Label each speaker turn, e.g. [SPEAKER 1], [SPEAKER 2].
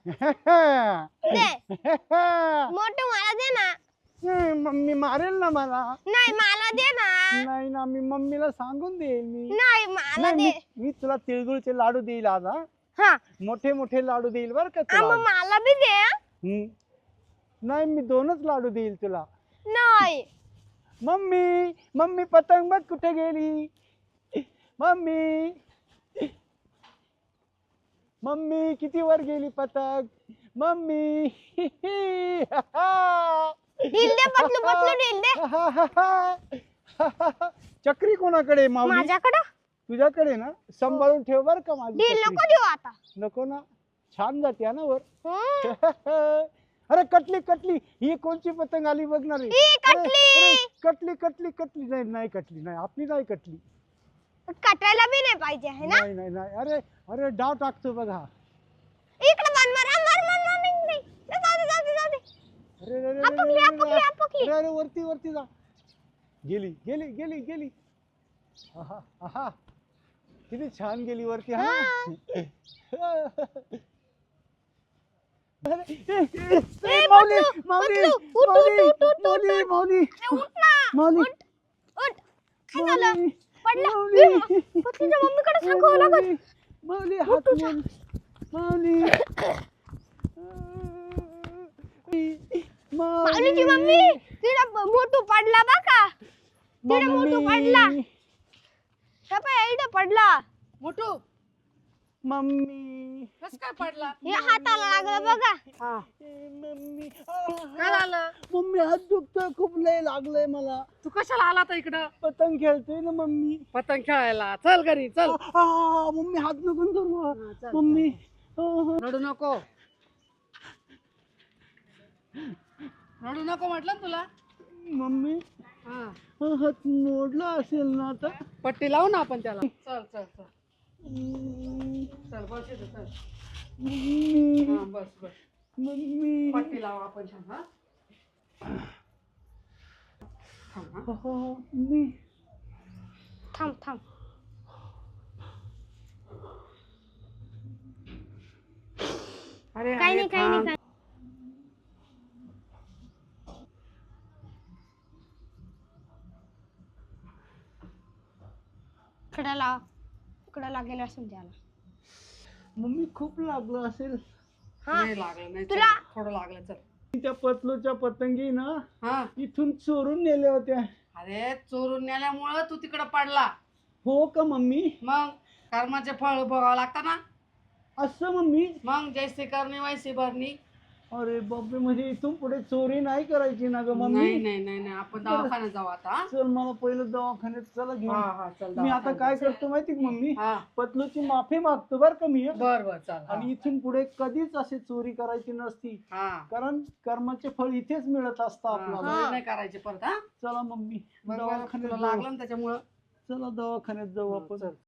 [SPEAKER 1] दे मोठू मला दे ना.
[SPEAKER 2] मम्मी मारेल ना मला.
[SPEAKER 1] नाही मला दे ना.
[SPEAKER 2] नाही ना, मी मम्मीला सांगून देईल मी.
[SPEAKER 1] नाही मला
[SPEAKER 2] नाही,
[SPEAKER 1] दे.
[SPEAKER 2] मी तुला तिळगुळचे लाडू देईल आज. हा,
[SPEAKER 1] हा
[SPEAKER 2] मोठे मोठे लाडू देईल बर का
[SPEAKER 1] मग
[SPEAKER 2] तुला.
[SPEAKER 1] मला बी दे.
[SPEAKER 2] नाही, मी 2च लाडू देईल तुला.
[SPEAKER 1] नाही
[SPEAKER 2] मम्मी मम्मी पतंग बघ कुठे गेली. मम्मी मम्मी किती वर गेली पतंग. मम्मी
[SPEAKER 1] ढील दे पतलू पतलू ढील दे.
[SPEAKER 2] चक्री कोणाकडे माऊली.
[SPEAKER 1] माझ्याकडं
[SPEAKER 2] तुझ्याकडे ना. सांभाळून ठेव बर का माझी
[SPEAKER 1] ढील
[SPEAKER 2] चक्री.
[SPEAKER 1] नको देऊ आता.
[SPEAKER 2] नको ना, छान जाते ना वर.
[SPEAKER 1] हम्म.
[SPEAKER 2] अरे कटली कटली, ही कोणची पतंग आली बघणार आहे.
[SPEAKER 1] ही कटली.
[SPEAKER 2] कटली कटली कटली. नाही नाही कटली नाही, आपली नाही कटली.
[SPEAKER 1] कटायला बी नाही पाहिजे है ना.
[SPEAKER 2] नाही नाही नाही. अरे अरे डाव टाकतो बघा.
[SPEAKER 1] इकडे बन मार मार मार मार नाही. जाऊ दे जाऊ दे जाऊ दे.
[SPEAKER 2] अरे अरे अरे
[SPEAKER 1] आपकली
[SPEAKER 2] अरे
[SPEAKER 1] आपकली आपकली.
[SPEAKER 2] अरे अरे वरती वरती जा. गेली गेली गेली गेली. आहा आहा, किती छान गेली वरती. हा माऊली माऊली माऊली माऊली
[SPEAKER 1] उठ ना.
[SPEAKER 2] माऊली
[SPEAKER 1] उठ उठ. काय झालं. पडला.
[SPEAKER 2] माऊली
[SPEAKER 1] पतलूच्या मम्मीकडे सांगावं लागत.
[SPEAKER 2] माऊली हात मोड. माऊली
[SPEAKER 1] माऊलीची मम्मी तिला मोठू पडला बघा. तिला मोठू पडला. इथं पडला.
[SPEAKER 3] मोठू
[SPEAKER 2] मम्मी
[SPEAKER 3] कस काय पडला.
[SPEAKER 1] हे हाताला लागलं बघा.
[SPEAKER 3] हा
[SPEAKER 2] मम्मी
[SPEAKER 3] काय झालं.
[SPEAKER 2] मम्मी हात दुखतोय खूप, लय लागलंय मला.
[SPEAKER 3] तू कशाला आला आता इकडं.
[SPEAKER 2] पतंग खेळतोय ना मम्मी.
[SPEAKER 3] पतंग खेळायला चल घरी चल.
[SPEAKER 2] मम्मी हात नको धरू.
[SPEAKER 3] हा, चल,
[SPEAKER 2] मम्मी
[SPEAKER 3] रडू नको. रडू नको म्हटलं ना तुला.
[SPEAKER 2] मम्मी
[SPEAKER 3] हा
[SPEAKER 2] हात मोडला असेल ना आता.
[SPEAKER 3] पट्टी लावू ना आपण त्याला. चल चल चल चल बस इथं चल.
[SPEAKER 2] मम्मी
[SPEAKER 3] हा बस बस.
[SPEAKER 2] मम्मी
[SPEAKER 3] पट्टी लावू आपण छान. हा थांब, हा.
[SPEAKER 2] मम्मी
[SPEAKER 1] थांब थांब.
[SPEAKER 3] अरे
[SPEAKER 1] काही नाही काही नाही. इकडे लाव. इकडे लागेल असेल त्याला.
[SPEAKER 2] मम्मी खूप लागलं असेल.
[SPEAKER 1] हा
[SPEAKER 3] नाही लागलं नाही.
[SPEAKER 1] तुला-
[SPEAKER 3] चल, थोडं लागलं चल.
[SPEAKER 2] त्या पतलूच्या पतंगी ना
[SPEAKER 3] हा
[SPEAKER 2] इथून चोरून नेल्या होत्या.
[SPEAKER 3] अरे चोरून नेल्यामुळं तू तिकडं पडला.
[SPEAKER 2] हो का मम्मी.
[SPEAKER 3] मग कर्माचे फळ भोगावं लागतं ना.
[SPEAKER 2] असं मम्मी.
[SPEAKER 3] मग जैसे करणे वैसे भरणी.
[SPEAKER 2] अरे बापरे, म्हणजे इथून पुढे चोरी नाही करायची ना ग
[SPEAKER 3] नाही
[SPEAKER 2] मम्मी.
[SPEAKER 3] नाही नाही नाही आपण दवाखान्यात जाऊ आता. हा?
[SPEAKER 2] चल मला पहिलं दवाखान्यात चला
[SPEAKER 3] हा
[SPEAKER 2] घेऊन.
[SPEAKER 3] हा चल
[SPEAKER 2] मी आता
[SPEAKER 3] दवाखान्यात
[SPEAKER 2] काय
[SPEAKER 3] जाऊ.
[SPEAKER 2] करतो माहिती का मम्मी,
[SPEAKER 3] हा
[SPEAKER 2] पतलूची माफी मागतो बर का मी.
[SPEAKER 3] बर बर चल. हा.
[SPEAKER 2] आणि इथून पुढे कधीच अशी चोरी करायची नसती.
[SPEAKER 3] हा
[SPEAKER 2] कारण कर्माचे फळ इथेच मिळत असतं
[SPEAKER 3] हा,
[SPEAKER 2] आपल्याला.
[SPEAKER 3] चोरी नाही करायची परत. हा
[SPEAKER 2] चला मम्मी
[SPEAKER 3] बघ बरं,
[SPEAKER 2] दवाखान्यात
[SPEAKER 3] तुला
[SPEAKER 2] जाऊ.
[SPEAKER 3] लागलं ना त्याच्यामुळं.
[SPEAKER 2] चला दवाखान्यात जाऊ आपण.
[SPEAKER 3] चल.